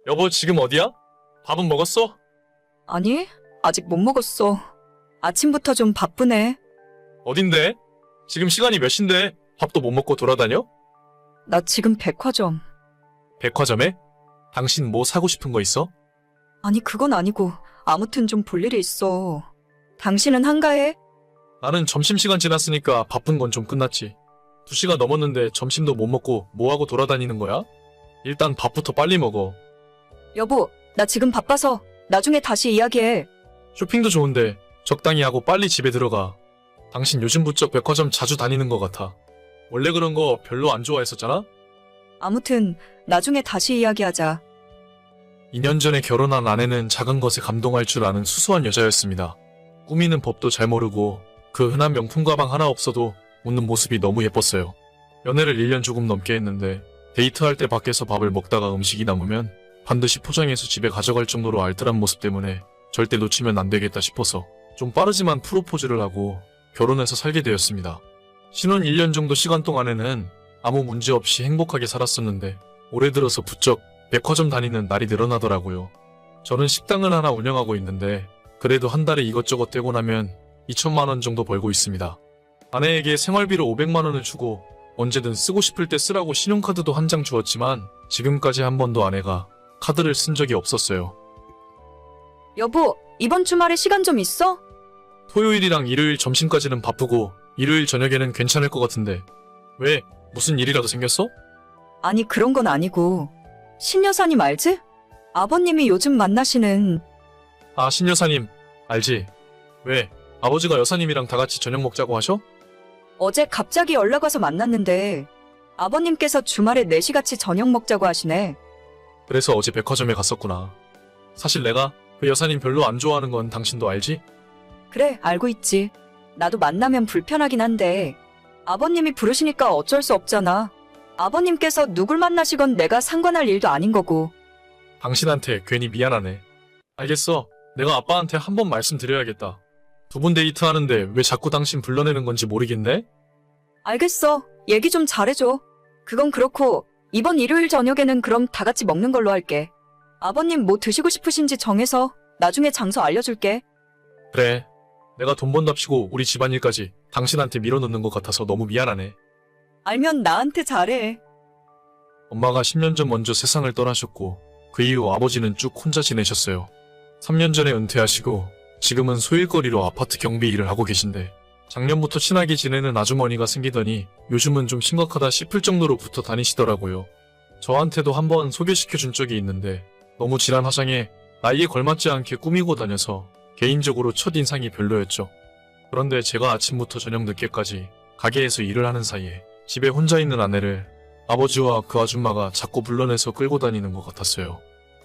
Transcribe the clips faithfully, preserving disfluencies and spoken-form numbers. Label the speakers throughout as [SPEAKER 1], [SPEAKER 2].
[SPEAKER 1] 여보, 지금 어디야? 밥은 먹었어?
[SPEAKER 2] 아니, 아직 못 먹었어. 아침부터 좀 바쁘네.
[SPEAKER 1] 어딘데? 지금 시간이 몇 시인데 밥도 못 먹고 돌아다녀?
[SPEAKER 2] 나 지금 백화점.
[SPEAKER 1] 백화점에? 당신 뭐 사고 싶은 거 있어?
[SPEAKER 2] 아니, 그건 아니고 아무튼 좀 볼 일이 있어. 당신은 한가해?
[SPEAKER 1] 나는 점심시간 지났으니까 바쁜 건 좀 끝났지. 두 시가 넘었는데 점심도 못 먹고 뭐하고 돌아다니는 거야? 일단 밥부터 빨리 먹어.
[SPEAKER 2] 여보, 나 지금 바빠서 나중에 다시 이야기해.
[SPEAKER 1] 쇼핑도 좋은데 적당히 하고 빨리 집에 들어가. 당신 요즘 부쩍 백화점 자주 다니는 것 같아. 원래 그런 거 별로 안 좋아했었잖아?
[SPEAKER 2] 아무튼 나중에 다시 이야기하자.
[SPEAKER 1] 이 년 전에 결혼한 아내는 작은 것에 감동할 줄 아는 수수한 여자였습니다. 꾸미는 법도 잘 모르고 그 흔한 명품 가방 하나 없어도 웃는 모습이 너무 예뻤어요. 연애를 일 년 조금 넘게 했는데 데이트할 때 밖에서 밥을 먹다가 음식이 남으면 반드시 포장해서 집에 가져갈 정도로 알뜰한 모습 때문에 절대 놓치면 안 되겠다 싶어서 좀 빠르지만 프로포즈를 하고 결혼해서 살게 되었습니다. 신혼 일 년 정도 시간 동안에는 아무 문제 없이 행복하게 살았었는데 올해 들어서 부쩍 백화점 다니는 날이 늘어나더라고요. 저는 식당을 하나 운영하고 있는데 그래도 한 달에 이것저것 떼고 나면 이천만 원 정도 벌고 있습니다. 아내에게 생활비로 오백만 원을 주고 언제든 쓰고 싶을 때 쓰라고 신용카드도 한 장 주었지만 지금까지 한 번도 아내가 카드를 쓴 적이 없었어요.
[SPEAKER 2] 여보, 이번 주말에 시간 좀 있어?
[SPEAKER 1] 토요일이랑 일요일 점심까지는 바쁘고 일요일 저녁에는 괜찮을 것 같은데 왜? 무슨 일이라도 생겼어?
[SPEAKER 2] 아니, 그런 건 아니고. 신 여사님 알지? 아버님이 요즘 만나시는.
[SPEAKER 1] 아, 신 여사님 알지? 왜? 아버지가 여사님이랑 다 같이 저녁 먹자고 하셔?
[SPEAKER 2] 어제 갑자기 연락 와서 만났는데 아버님께서 주말에 넷이 같이 저녁 먹자고 하시네.
[SPEAKER 1] 그래서 어제 백화점에 갔었구나. 사실 내가 그 여사님 별로 안 좋아하는 건 당신도 알지?
[SPEAKER 2] 그래, 알고 있지. 나도 만나면 불편하긴 한데 아버님이 부르시니까 어쩔 수 없잖아. 아버님께서 누굴 만나시건 내가 상관할 일도 아닌 거고.
[SPEAKER 1] 당신한테 괜히 미안하네. 알겠어. 내가 아빠한테 한번 말씀드려야겠다. 두 분 데이트하는데 왜 자꾸 당신 불러내는 건지 모르겠네?
[SPEAKER 2] 알겠어. 얘기 좀 잘해줘. 그건 그렇고 이번 일요일 저녁에는 그럼 다 같이 먹는 걸로 할게. 아버님 뭐 드시고 싶으신지 정해서 나중에 장소 알려줄게.
[SPEAKER 1] 그래. 내가 돈 번답시고 우리 집안일까지 당신한테 밀어넣는 것 같아서 너무 미안하네.
[SPEAKER 2] 알면 나한테 잘해.
[SPEAKER 1] 엄마가 십 년 전 먼저 세상을 떠나셨고 그 이후 아버지는 쭉 혼자 지내셨어요. 삼 년 전에 은퇴하시고 지금은 소일거리로 아파트 경비 일을 하고 계신데 작년부터 친하게 지내는 아주머니가 생기더니 요즘은 좀 심각하다 싶을 정도로 붙어 다니시더라고요. 저한테도 한번 소개시켜 준 적이 있는데 너무 질한 화장에 나이에 걸맞지 않게 꾸미고 다녀서 개인적으로 첫인상이 별로였죠. 그런데 제가 아침부터 저녁 늦게까지 가게에서 일을 하는 사이에 집에 혼자 있는 아내를 아버지와 그 아줌마가 자꾸 불러내서 끌고 다니는 것 같았어요.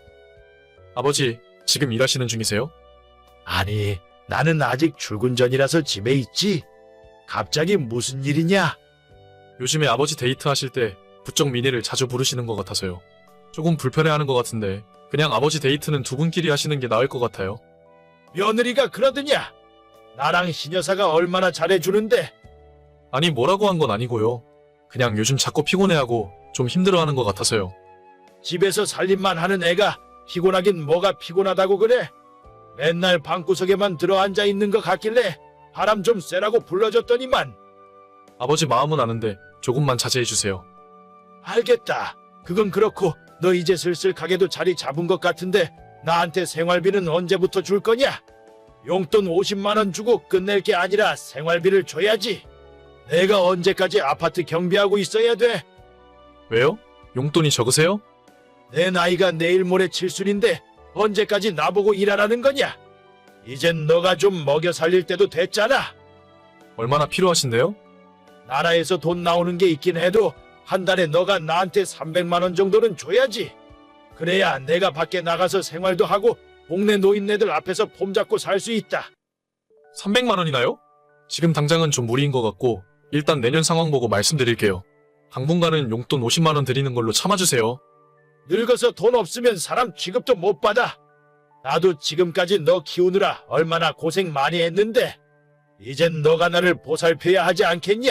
[SPEAKER 1] 아버지, 지금 일하시는 중이세요?
[SPEAKER 3] 아니, 나는 아직 출근 전이라서 집에 있지. 갑자기 무슨 일이냐?
[SPEAKER 1] 요즘에 아버지 데이트하실 때 부쩍 미니를 자주 부르시는 것 같아서요. 조금 불편해하는 것 같은데 그냥 아버지 데이트는 두 분끼리 하시는 게 나을 것 같아요.
[SPEAKER 3] 며느리가 그러더냐? 나랑 신여사가 얼마나 잘해주는데.
[SPEAKER 1] 아니, 뭐라고 한 건 아니고요. 그냥 요즘 자꾸 피곤해하고 좀 힘들어하는 것 같아서요.
[SPEAKER 3] 집에서 살림만 하는 애가 피곤하긴 뭐가 피곤하다고 그래? 맨날 방구석에만 들어앉아 있는 것 같길래 바람 좀 쐬라고 불러줬더니만.
[SPEAKER 1] 아버지 마음은 아는데 조금만 자제해주세요.
[SPEAKER 3] 알겠다. 그건 그렇고 너 이제 슬슬 가게도 자리 잡은 것 같은데 나한테 생활비는 언제부터 줄 거냐? 용돈 오십만 원 주고 끝낼 게 아니라 생활비를 줘야지. 내가 언제까지 아파트 경비하고 있어야 돼?
[SPEAKER 1] 왜요? 용돈이 적으세요?
[SPEAKER 3] 내 나이가 내일 모레 칠순인데 언제까지 나보고 일하라는 거냐? 이젠 너가 좀 먹여 살릴 때도 됐잖아.
[SPEAKER 1] 얼마나 필요하신데요?
[SPEAKER 3] 나라에서 돈 나오는 게 있긴 해도 한 달에 너가 나한테 삼백만 원 정도는 줘야지. 그래야 내가 밖에 나가서 생활도 하고 동네 노인네들 앞에서 폼 잡고 살 수 있다.
[SPEAKER 1] 삼백만 원이나요? 지금 당장은 좀 무리인 것 같고 일단 내년 상황 보고 말씀드릴게요. 당분간은 용돈 오십만 원 드리는 걸로 참아주세요.
[SPEAKER 3] 늙어서 돈 없으면 사람 취급도 못 받아. 나도 지금까지 너 키우느라 얼마나 고생 많이 했는데 이젠 너가 나를 보살펴야 하지 않겠냐?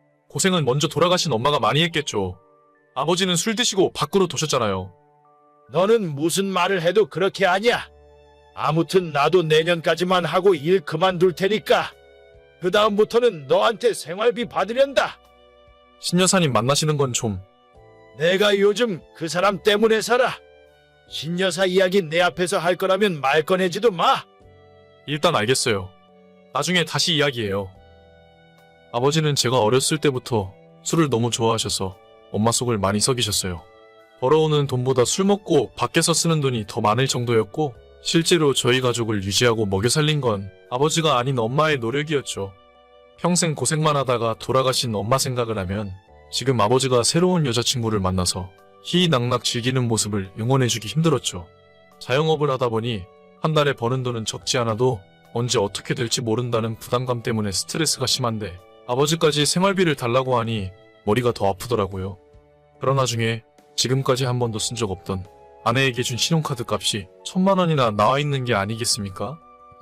[SPEAKER 1] 고생은 먼저 돌아가신 엄마가 많이 했겠죠. 아버지는 술 드시고 밖으로 도셨잖아요.
[SPEAKER 3] 너는 무슨 말을 해도 그렇게 하냐? 아무튼 나도 내년까지만 하고 일 그만둘 테니까 그 다음부터는 너한테 생활비 받으련다.
[SPEAKER 1] 신여사님 만나시는 건 좀...
[SPEAKER 3] 내가 요즘 그 사람 때문에 살아. 신여사 이야기 내 앞에서 할 거라면 말 꺼내지도 마.
[SPEAKER 1] 일단 알겠어요. 나중에 다시 이야기해요. 아버지는 제가 어렸을 때부터 술을 너무 좋아하셔서 엄마 속을 많이 썩이셨어요. 벌어오는 돈보다 술 먹고 밖에서 쓰는 돈이 더 많을 정도였고 실제로 저희 가족을 유지하고 먹여 살린 건 아버지가 아닌 엄마의 노력이었죠. 평생 고생만 하다가 돌아가신 엄마 생각을 하면 지금 아버지가 새로운 여자친구를 만나서 희희낙낙 즐기는 모습을 응원해주기 힘들었죠. 자영업을 하다 보니 한 달에 버는 돈은 적지 않아도 언제 어떻게 될지 모른다는 부담감 때문에 스트레스가 심한데 아버지까지 생활비를 달라고 하니 머리가 더 아프더라고요. 그러나 중에 지금까지 한 번도 쓴 적 없던 아내에게 준 신용카드 값이 천만 원이나 나와 있는 게 아니겠습니까?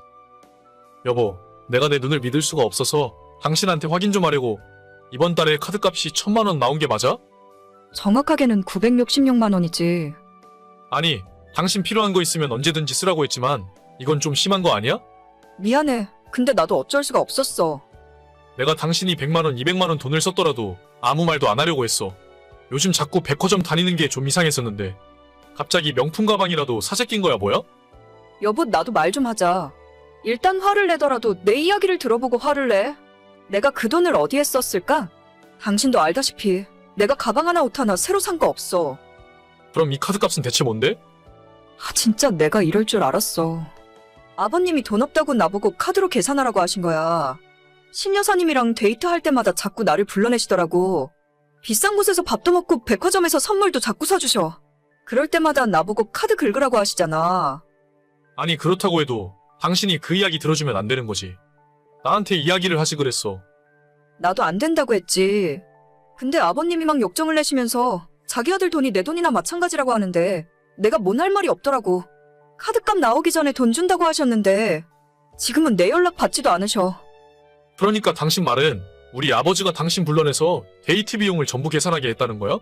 [SPEAKER 1] 여보, 내가 내 눈을 믿을 수가 없어서 당신한테 확인 좀 하려고 이번 달에 카드값이 천만 원 나온 게 맞아?
[SPEAKER 2] 정확하게는 구백육십육만 원이지.
[SPEAKER 1] 아니, 당신 필요한 거 있으면 언제든지 쓰라고 했지만 이건 좀 심한 거 아니야?
[SPEAKER 2] 미안해. 근데 나도 어쩔 수가 없었어.
[SPEAKER 1] 내가 당신이 백만 원, 이백만 원 돈을 썼더라도 아무 말도 안 하려고 했어. 요즘 자꾸 백화점 다니는 게 좀 이상했었는데 갑자기 명품 가방이라도 사재 낀 거야 뭐야?
[SPEAKER 2] 여보, 나도 말 좀 하자. 일단 화를 내더라도 내 이야기를 들어보고 화를 내. 내가 그 돈을 어디에 썼을까? 당신도 알다시피 내가 가방 하나 옷 하나 새로 산 거 없어.
[SPEAKER 1] 그럼 이 카드값은 대체 뭔데?
[SPEAKER 2] 아, 진짜 내가 이럴 줄 알았어. 아버님이 돈 없다고 나보고 카드로 계산하라고 하신 거야. 신여사님이랑 데이트할 때마다 자꾸 나를 불러내시더라고. 비싼 곳에서 밥도 먹고 백화점에서 선물도 자꾸 사주셔. 그럴 때마다 나보고 카드 긁으라고 하시잖아.
[SPEAKER 1] 아니 그렇다고 해도 당신이 그 이야기 들어주면 안 되는 거지. 나한테 이야기를 하지 그랬어.
[SPEAKER 2] 나도 안 된다고 했지. 근데 아버님이 막 역정을 내시면서 자기 아들 돈이 내 돈이나 마찬가지라고 하는데 내가 뭔 할 말이 없더라고. 카드값 나오기 전에 돈 준다고 하셨는데 지금은 내 연락 받지도 않으셔.
[SPEAKER 1] 그러니까 당신 말은 우리 아버지가 당신 불러내서 데이트 비용을 전부 계산하게 했다는 거야?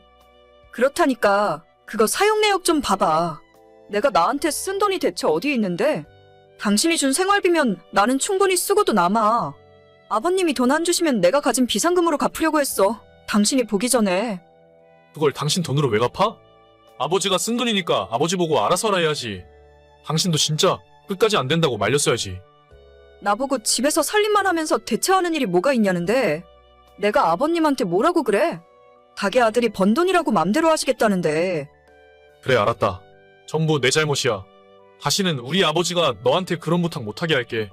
[SPEAKER 2] 그렇다니까 그거 사용 내역 좀 봐봐. 내가 나한테 쓴 돈이 대체 어디에 있는데? 당신이 준 생활비면 나는 충분히 쓰고도 남아. 아버님이 돈 안 주시면 내가 가진 비상금으로 갚으려고 했어. 당신이 보기 전에.
[SPEAKER 1] 그걸 당신 돈으로 왜 갚아? 아버지가 쓴 돈이니까 아버지 보고 알아서 하라 해야지. 당신도 진짜 끝까지 안 된다고 말렸어야지.
[SPEAKER 2] 나보고 집에서 살림만 하면서 대체하는 일이 뭐가 있냐는데 내가 아버님한테 뭐라고 그래? 닭의 아들이 번 돈이라고 맘대로 하시겠다는데.
[SPEAKER 1] 그래 알았다. 전부 내 잘못이야. 다시는 우리 아버지가 너한테 그런 부탁 못하게 할게.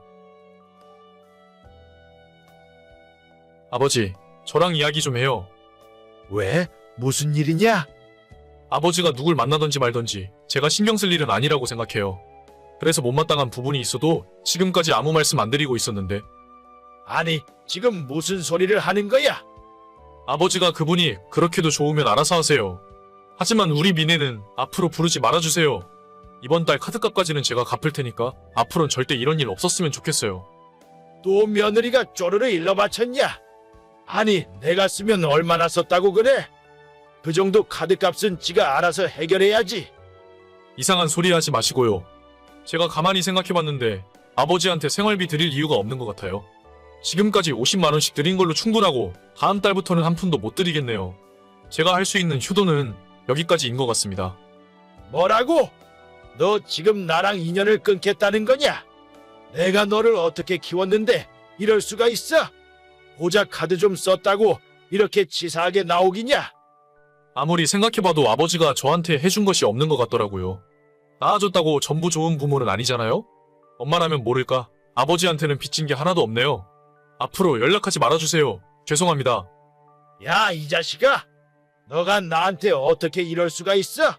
[SPEAKER 1] 아버지, 저랑 이야기 좀 해요.
[SPEAKER 3] 왜? 무슨 일이냐?
[SPEAKER 1] 아버지가 누굴 만나던지 말던지 제가 신경 쓸 일은 아니라고 생각해요. 그래서 못마땅한 부분이 있어도 지금까지 아무 말씀 안 드리고 있었는데
[SPEAKER 3] 아니, 지금 무슨 소리를 하는 거야?
[SPEAKER 1] 아버지가 그분이 그렇게도 좋으면 알아서 하세요. 하지만 우리 미네는 앞으로 부르지 말아주세요. 이번 달 카드값까지는 제가 갚을 테니까 앞으로는 절대 이런 일 없었으면 좋겠어요.
[SPEAKER 3] 또 며느리가 쪼르르 일러 바쳤냐? 아니, 내가 쓰면 얼마나 썼다고 그래? 그 정도 카드값은 지가 알아서 해결해야지.
[SPEAKER 1] 이상한 소리 하지 마시고요. 제가 가만히 생각해봤는데 아버지한테 생활비 드릴 이유가 없는 것 같아요. 지금까지 오십만 원씩 드린 걸로 충분하고 다음 달부터는 한 푼도 못 드리겠네요. 제가 할 수 있는 효도는 여기까지인 것 같습니다.
[SPEAKER 3] 뭐라고? 너 지금 나랑 인연을 끊겠다는 거냐? 내가 너를 어떻게 키웠는데 이럴 수가 있어? 고작 카드 좀 썼다고 이렇게 치사하게 나오기냐?
[SPEAKER 1] 아무리 생각해봐도 아버지가 저한테 해준 것이 없는 것 같더라고요. 낳아줬다고 전부 좋은 부모는 아니잖아요? 엄마라면 모를까? 아버지한테는 빚진 게 하나도 없네요. 앞으로 연락하지 말아주세요. 죄송합니다.
[SPEAKER 3] 야, 이 자식아! 너가 나한테 어떻게 이럴 수가 있어?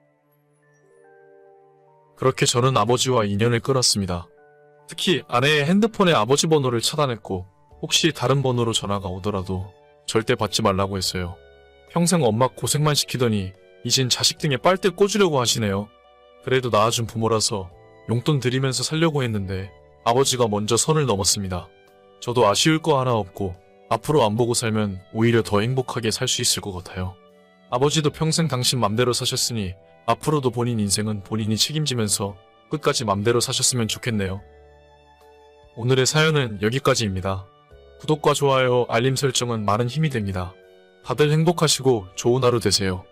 [SPEAKER 1] 그렇게 저는 아버지와 인연을 끊었습니다. 특히 아내의 핸드폰에 아버지 번호를 차단했고 혹시 다른 번호로 전화가 오더라도 절대 받지 말라고 했어요. 평생 엄마 고생만 시키더니 이젠 자식 등에 빨대 꽂으려고 하시네요. 그래도 낳아준 부모라서 용돈 드리면서 살려고 했는데 아버지가 먼저 선을 넘었습니다. 저도 아쉬울 거 하나 없고 앞으로 안 보고 살면 오히려 더 행복하게 살 수 있을 것 같아요. 아버지도 평생 당신 맘대로 사셨으니 앞으로도 본인 인생은 본인이 책임지면서 끝까지 맘대로 사셨으면 좋겠네요. 오늘의 사연은 여기까지입니다. 구독과 좋아요, 알림 설정은 많은 힘이 됩니다. 다들 행복하시고 좋은 하루 되세요.